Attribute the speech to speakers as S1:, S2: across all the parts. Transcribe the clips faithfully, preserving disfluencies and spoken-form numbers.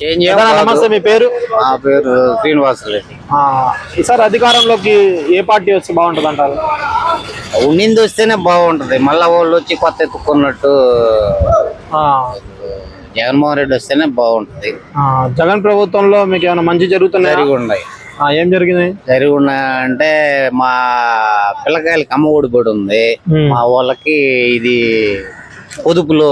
S1: నమస్తే, మీ పేరు?
S2: నా పేరు శ్రీనివాసరెడ్డి.
S1: ఈసారి అధికారంలోకి ఏ పార్టీ వస్తే బాగుంటుంది అంటారు?
S2: ఉండింది వస్తేనే బాగుంటది, మళ్ళా వాళ్ళు వచ్చి కొత్త ఎత్తుకున్నట్టు జగన్మోహన్ రెడ్డి వస్తేనే బాగుంటది.
S1: జగన్ ప్రభుత్వంలో మీకు ఏమైనా మంచి జరుగుతున్నాయి?
S2: జరిగి ఉన్నాయి.
S1: ఏం జరిగింది?
S2: జరిగి ఉన్నాయి అంటే మా పిల్లకాయలకి అమ్మ ఒడి పడి ఉంది, మా వాళ్ళకి ఇది పొదుపులో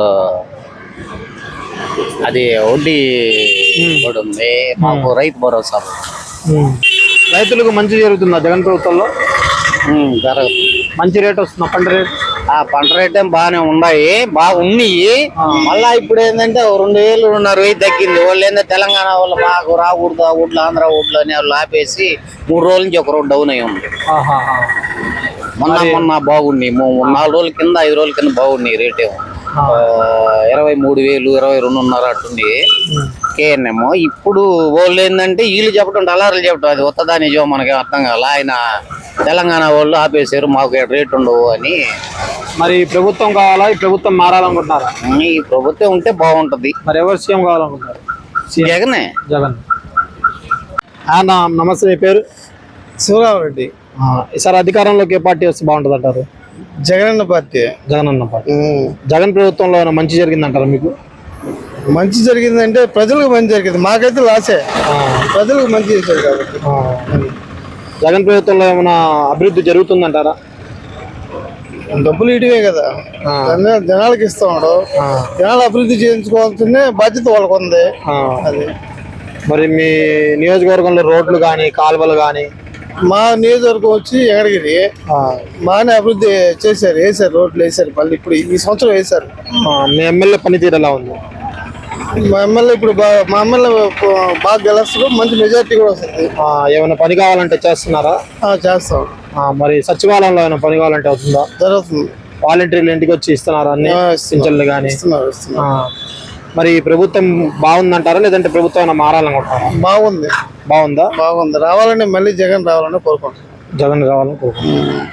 S2: అది వడ్డీ కూడా ఉంది, మాకు రైతు భరోసా.
S1: రైతులకు మంచి జరుగుతుందా జగన్ ప్రభుత్వంలో?
S2: జరగదు.
S1: మంచి రేట్ వస్తుందా పంట రేట్?
S2: ఆ పంట రేట్ ఏం బాగానే ఉన్నాయి, బాగున్నాయి. మళ్ళా ఇప్పుడు ఏంటంటే రెండు వేలు రెండున్నర వెయ్యి తగ్గింది. వాళ్ళు ఏంటంటే తెలంగాణ వాళ్ళు మాకు రాకూడదు, ఆ ఊడ్లు ఆంధ్ర ఊడ్లు అని వాళ్ళు ఆపేసి మూడు రోజుల నుంచి ఒక రోజు డౌన్ అయ్యి ఉంది. మొన్న మొన్న బాగున్నాయి, నాలుగు రోజుల కింద ఐదు రోజుల కింద బాగున్నాయి. రేట్ ఏమో ఇరవై మూడు వేలు ఇరవై రెండున్నర అట్టుంది కేఎన్ఎం. ఇప్పుడు వాళ్ళు ఏంటంటే వీళ్ళు చెప్పడం డలార్లు చెప్పడం అది వస్తుందా నిజం మనకి అర్థం కాల. ఆయన తెలంగాణ వాళ్ళు ఆపేశారు, మాకు రేట్ ఉండవు అని.
S1: మరి ప్రభుత్వం కావాలా, ఈ ప్రభుత్వం మారాలనుకుంటున్నారా?
S2: ఈ ప్రభుత్వం ఉంటే బాగుంటది.
S1: మరి ఎవరు సీఎం కావాలనుకుంటున్నారు?
S2: జగనే.
S1: జగన్. నమస్తే, మీ పేరు?
S3: శివరామరెడ్డి.
S1: ఈసారి అధికారంలోకి ఏ పార్టీ వస్తే బాగుంటుంది అంటారు?
S3: జగనన్న పార్టీ.
S1: జగనన్న పార్టీ. జగన్ ప్రభుత్వంలో మంచి జరిగిందంటారా మీకు?
S3: మంచి జరిగిందంటే ప్రజలకు మంచి జరిగింది, మాకైతే లాసే. ప్రజలకు మంచి చేశారు కాబట్టి.
S1: జగన్ ప్రభుత్వంలో ఏమైనా అభివృద్ధి జరుగుతుందంటారా?
S3: డబ్బులు ఇటువే కదా, జనాలకు ఇస్తాడు. జనాలు అభివృద్ధి చేయించుకోవాల్సిన బాధ్యత వాళ్ళకు ఉంది. అది
S1: మరి మీ నియోజకవర్గంలో రోడ్లు కానీ కాలువలు కానీ?
S3: మా నియోజకవర్గం వచ్చి ఎక్కడికి బాగానే అభివృద్ధి చేశారు, వేసారు, రోడ్లు వేసారు. మళ్ళీ ఇప్పుడు ఈ సంవత్సరం వేసారు.
S1: మీ ఎమ్మెల్యే పనితీరు ఎలా ఉంది?
S3: మా ఎమ్మెల్యే ఇప్పుడు బాగా మా ఎమ్మెల్యే బాగా గెలుస్తారు, మంచి మెజార్టీ కూడా వస్తుంది.
S1: ఏమైనా పని కావాలంటే చేస్తున్నారా?
S3: చేస్తాం.
S1: మరి సచివాలయంలో ఏమైనా పని కావాలంటే అవుతుందా?
S3: జరుగుతుంది.
S1: వాలంటీర్లు ఇంటికి వచ్చి ఇస్తున్నారా అన్ని పింఛన్లు కానీ? మరి ప్రభుత్వం బాగుందంటారా లేదంటే ప్రభుత్వం ఏమైనా మారాలనుకుంటారా?
S3: బాగుంది.
S1: బాగుందా?
S3: బాగుంది. రావాలని మళ్ళీ జగన్ రావాలని కోరుకుంటున్నాం.
S1: జగన్ రావాలని కోరుకుంటున్నాం.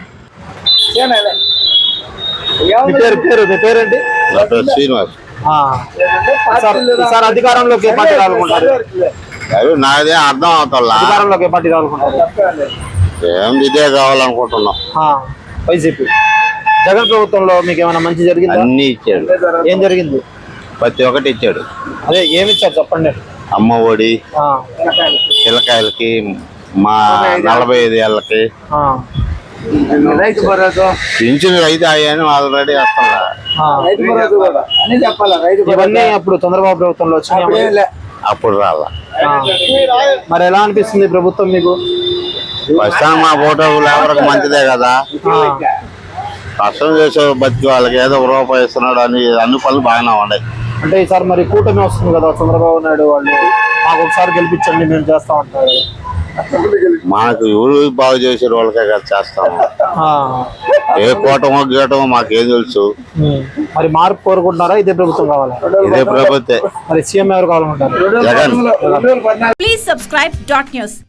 S1: పేరు మీ పేరేంటి?
S2: శ్రీనివాస్.
S1: సార్ అధికారంలోకి ఏ పార్టీ రావాలనుకుంటారు?
S2: నాదే అర్థం అవుతా.
S1: అధికారంలోకి ఏ పార్టీ రావాలనుకుంటారు?
S2: ఏం ఇదే కావాలనుకుంటున్నాం.
S1: వైసీపీ. జగన్ ప్రభుత్వంలో మీకు ఏమైనా మంచి జరిగింది?
S2: అన్ని ఇచ్చాడు.
S1: ఏం జరిగింది?
S2: ప్రతి ఒక్కటి ఇచ్చాడు.
S1: అదే ఏమి ఇచ్చారు చెప్పండి.
S2: అమ్మ ఒడి, పిల్లకాయలకి, మా నలభై ఐదు ఏళ్ళకి పింఛన్ రైతు అయ్యాను ఆల్రెడీ వస్తున్నా.
S1: ఇవన్నీ అప్పుడు చంద్రబాబు ప్రభుత్వంలో వచ్చినాయి,
S2: అప్పుడు రాలా.
S1: మరి ఎలా అనిపిస్తుంది ప్రభుత్వం మీకు?
S2: ప్రస్తుతం మా ఫోటో లేబర్కి మంచిదే కదా, కష్టం చేసే బతికి వాళ్ళకి ఏదో ఒక రూపాయి ఇస్తున్నాడు అని అన్ని పనులు బాగానే ఉన్నాయి.
S1: అంటే ఈసారి మరి కూటమి వస్తుంది కదా, చంద్రబాబు నాయుడు వాళ్ళు మాకు ఒకసారి గెలిపించండి మేము చేస్తా ఉంటారు.
S2: మనకు ఎవరు బాగు చేసే వాళ్ళకే కదా చేస్తాము. ఏ కూటమో గీయటమో మాకేం తెలుసు.
S1: మరి మార్పు కోరుకుంటున్నారా? ఇదే ప్రభుత్వం కావాలా?
S2: ఇదే ప్రభుత్వం.
S1: మరి సీఎం ఎవరు కావాలనుకుంటారు?
S2: Jagan.
S4: Please subscribe dot news.